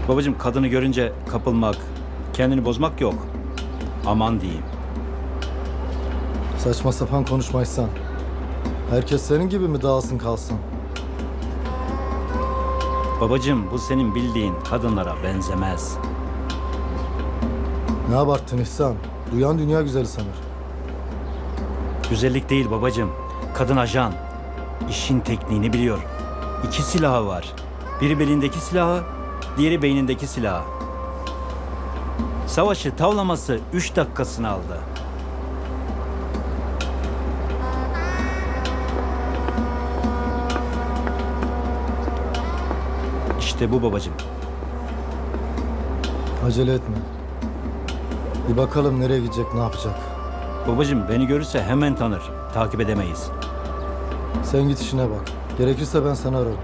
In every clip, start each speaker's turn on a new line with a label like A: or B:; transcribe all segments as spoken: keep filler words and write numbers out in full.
A: Babacığım kadını görünce kapılmak, kendini bozmak yok. Aman diyeyim.
B: Saçma sapan konuşmaysan. Herkes senin gibi mi dağılsın kalsın?
A: Babacığım bu senin bildiğin kadınlara benzemez.
B: Ne abarttın İhsan? Duyan dünya güzeli sanır.
A: Güzellik değil babacığım. Kadın ajan. İşin tekniğini biliyor. İki silahı var. Biri belindeki silahı, diğeri beynindeki silahı. Savaşı tavlaması üç dakikasını aldı. İşte bu babacığım.
B: Acele etme. Bir bakalım nereye gidecek, ne yapacak.
A: Babacığım beni görürse hemen tanır. Takip edemeyiz.
B: Sen git işine bak. Gerekirse ben seni ararım.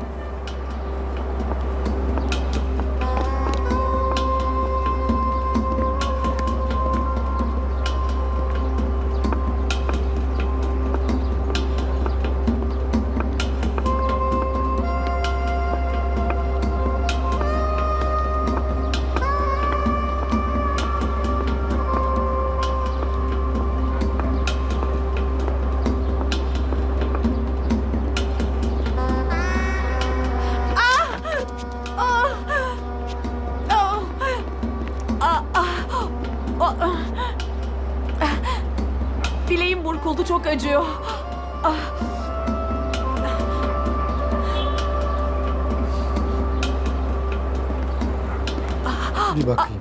C: Bileğim burkuldu, çok acıyor.
B: Bir bakayım.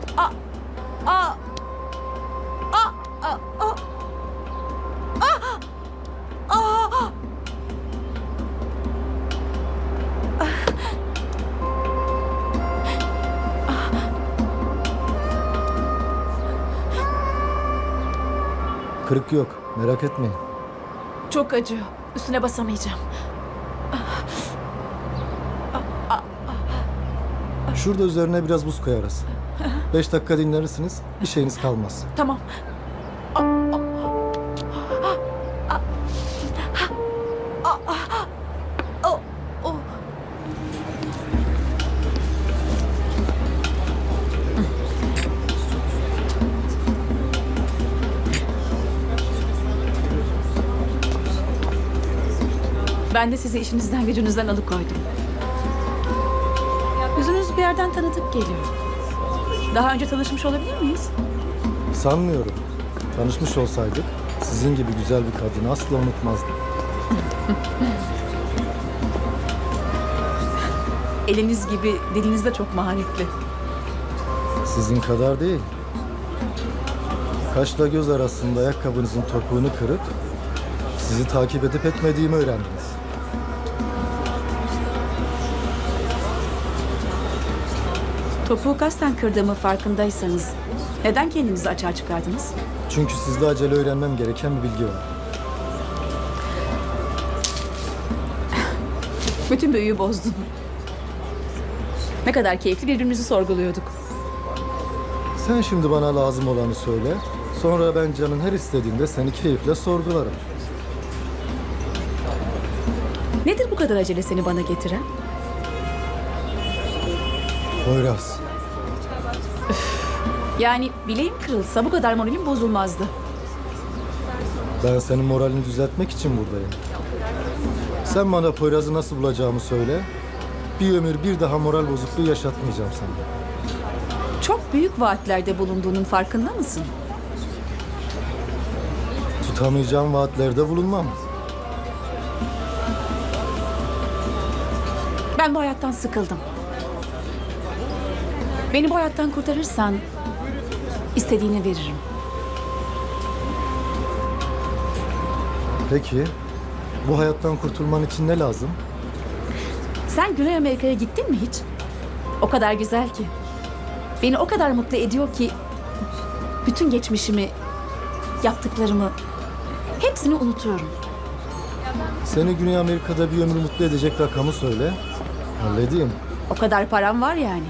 B: Kırık yok. Merak etmeyin.
C: Çok acıyor. Üstüne basamayacağım.
B: Şurada üzerine biraz buz koyarız. Beş dakika dinlenirsiniz. Bir şeyiniz kalmaz.
C: Tamam. Ben de sizi işinizden gücünüzden alıkoydum. Yüzünüz bir yerden tanıdık geliyor. Daha önce tanışmış olabilir miyiz?
B: Sanmıyorum. Tanışmış olsaydık sizin gibi güzel bir kadını asla unutmazdım.
C: Eliniz gibi diliniz de çok maharetli.
B: Sizin kadar değil. Kaşla göz arasında ayakkabınızın topuğunu kırıp sizi takip edip etmediğimi öğrendiniz.
C: Topuğu kasten kırdığımı farkındaysanız neden kendinizi açığa çıkardınız?
B: Çünkü sizde acele öğrenmem gereken bir bilgi var.
C: Bütün büyüyü bozdun. Ne kadar keyifli birbirimizi sorguluyorduk.
B: Sen şimdi bana lazım olanı söyle. Sonra ben canın her istediğinde seni keyifle sorgularım.
C: Nedir bu kadar acele seni bana getiren?
B: Poyraz,
C: Yani bileğim kırılsa bu kadar moralim bozulmazdı.
B: ben senin moralini düzeltmek için buradayım. Sen bana Poyraz'ı nasıl bulacağımı söyle. Bir ömür bir daha moral bozukluğu yaşatmayacağım sana.
C: Çok büyük vaatlerde bulunduğunun farkında mısın?
B: Tutamayacağım vaatlerde bulunmam.
C: Ben bu hayattan sıkıldım. Beni bu hayattan kurtarırsan istediğini veririm.
B: Peki, bu hayattan kurtulman için ne lazım?
C: Sen Güney Amerika'ya gittin mi hiç? O kadar güzel ki. Beni o kadar mutlu ediyor ki bütün geçmişimi, yaptıklarımı hepsini unutuyorum.
B: Seni Güney Amerika'da bir ömür mutlu edecek rakamı söyle. Halledeyim.
C: O kadar param var yani.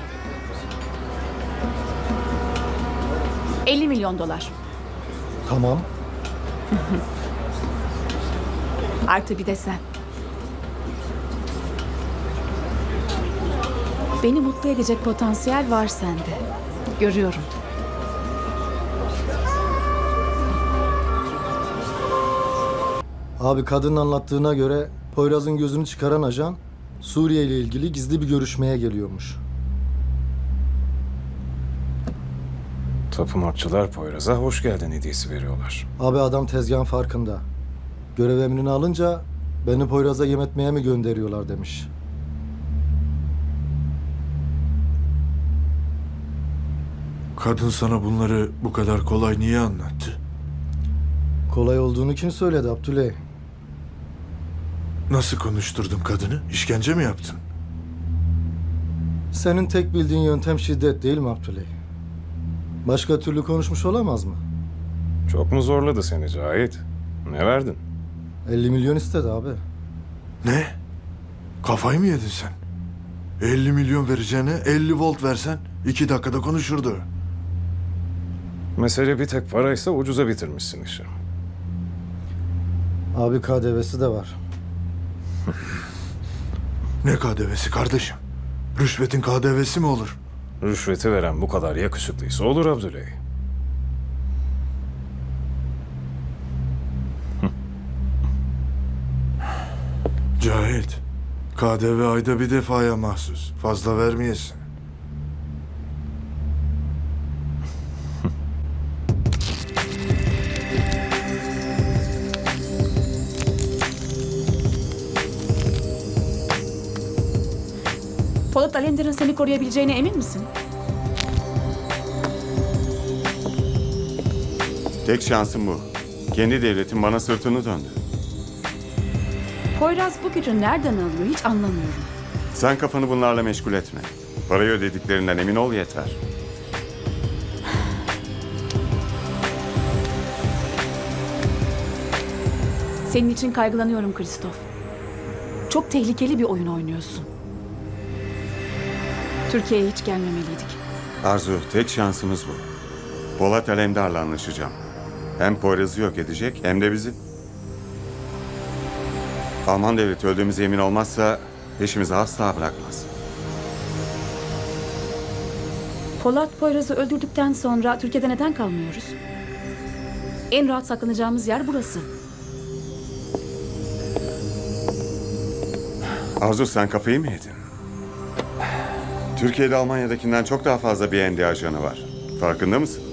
C: elli milyon dolar.
B: Tamam.
C: Artı bir de sen. Beni mutlu edecek potansiyel var sende. Görüyorum.
B: Abi kadının anlattığına göre Poyraz'ın gözünü çıkaran ajan Suriye ile ilgili gizli bir görüşmeye geliyormuş.
D: Tapınakçılar Poyraz'a hoş geldin hediyesi veriyorlar.
B: Abi adam tezgahın farkında. Görev emrini alınca beni Poyraz'a yem etmeye mi gönderiyorlar demiş.
E: Kadın sana bunları bu kadar kolay niye anlattı?
B: Kolay olduğunu kim söyledi Abdüley?
E: Nasıl konuşturdun kadını? İşkence mi yaptın?
B: Senin tek bildiğin yöntem şiddet değil mi Abdüley? Başka türlü konuşmuş olamaz mı?
D: Çok mu zorladı seni Cahit? Ne verdin?
B: elli milyon istedi abi.
E: Ne? Kafayı mı yedin sen? elli milyon vereceğine elli volt versen iki dakikada konuşurdu.
D: Mesele bir tek paraysa ucuza bitirmişsin işi.
B: Abi K D V'si de var.
E: Ne K D V'si kardeşim? Rüşvetin K D V'si mi olur?
D: Rüşveti veren bu kadar yakışıklıysa olur Abdüley.
E: Cahit, K D V ayda bir defaya mahsus. Fazla vermeyesin.
C: Polat Alemdar'ın seni koruyabileceğine emin misin?
F: Tek şansım bu. Kendi devletim bana sırtını döndü.
C: Poyraz bu gücü nereden alıyor hiç anlamıyorum.
F: Sen kafanı bunlarla meşgul etme. Parayı ödediklerinden emin ol yeter.
C: Senin için kaygılanıyorum Kristof. Çok tehlikeli bir oyun oynuyorsun. Türkiye'ye hiç gelmemeliydik.
F: Arzu, tek şansımız bu. Polat Alemdar'la anlaşacağım. Hem Poyraz'ı yok edecek hem de bizi. Alman devleti öldüğümüze emin olmazsa peşimizi asla bırakmaz.
C: Polat Poyraz'ı öldürdükten sonra Türkiye'de neden kalmıyoruz? En rahat saklanacağımız yer burası.
F: Arzu, sen kafayı mı yedin? Türkiye'de Almanya'dakinden çok daha fazla B N D ajanı var. Farkında mısın?